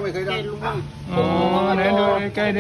ไม่เคยได้อ๋อไหนดูใกล้ดิ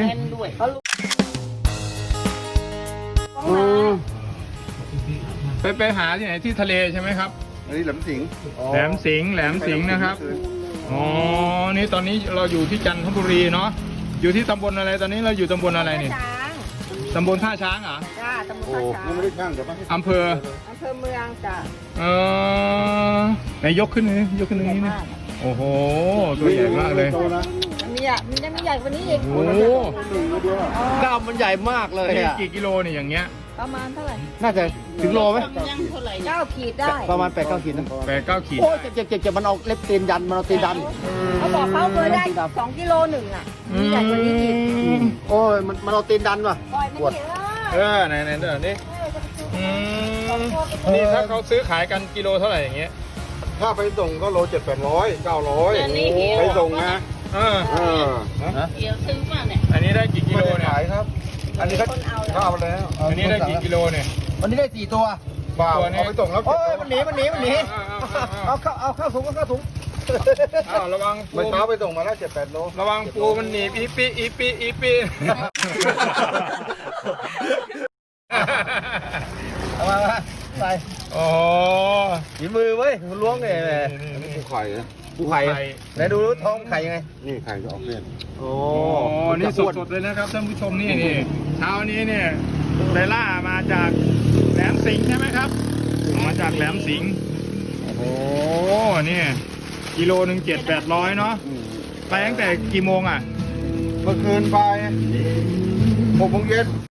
ไปหาที่ไหนที่ทะเลใช่ไหมครับอันนี้แหลมสิงห์แหลมสิงห์นะครับ อ๋อ นี่ตอนนี้เราอยู่ที่จันทบุรีเนาะ อยู่ที่ตำบลอะไร ตอนนี้เราอยู่ตำบลอะไรนี่ช้างตำบลท่าช้างเหรอจ้าตำบลโอ้ท่าช้างยังไม่ได้ช่างเดี๋ยวมาให้อำเภออำเภอเมืองจ้าเออไหนยกขึ้นเลยยกขึ้นตรงนี้นี่โอ้โห ตัวใหญ่มากเลยโตนะมีอ่ะมันจะมีใหญ่กว่านี้อีกโอ้โหหนึ่งเดียวกล้ามมันใหญ่มากเลยนี่อ่ะกี่กิโลเนี่ยอย่างเงี้ยประมาณเท่าไหร่น่าจะถึงโลไหม 9 ขีดได้ประมาณ8-9 ขีดนะ 8-9 ขีดโอ้ยเจ็บมันเอาเล็บตีนยันมันเอาตีนดันเขาบอกเขาเคยได้2 กิโลหนึ่งอ่ะมีใหญ่กว่านี้อีกโอ้ยมันเอาตีนดันว่ะปล่อยมันเถอะไหนเดี๋ยวนี้นี่ถ้าเขาซื้อขายกันกิโลเท่าไหร่อย่างเงี้ยถ้าไปส่งก็โล700-800-900ไปส่งนะเออเอันนี้ได้กี่กิโลเนี่ยขายครับ อันนี้เขาคนเอาแล้วเขาเอาไปแล้วอันนี้ได้กี่กิโลเนี่ยวันนี้ได้4 ตัวเปล่าตัวนี้เอาไปส่งแล้วโอ้ยมันหนีเอาเข้าถุงระวังปูเมื่อเช้าไปส่งมาแล้ว7-8 โลระวังปูมันหนีบอีปีเอามาใส่โอ้ฝีมือเว้ยมันล้วงเนี่ยแหละปูไข่นะปูไข่ไหนดูท้องไข่ยังไงนี่ไข่จะออกเลี่ยนโอ้นี่สดๆเลยนะครับท่านผู้ชมนี่เช้านี้เนี่ยไดล่ามาจากแหลมสิงห์ใช่ไหมครับมาจากแหลมสิงห์โอ้โหนี่กิโลหนึ่ง700-800เนาะไปตั้งแต่กี่โมงอ่ะเมื่อคืนไป6 โมงเย็น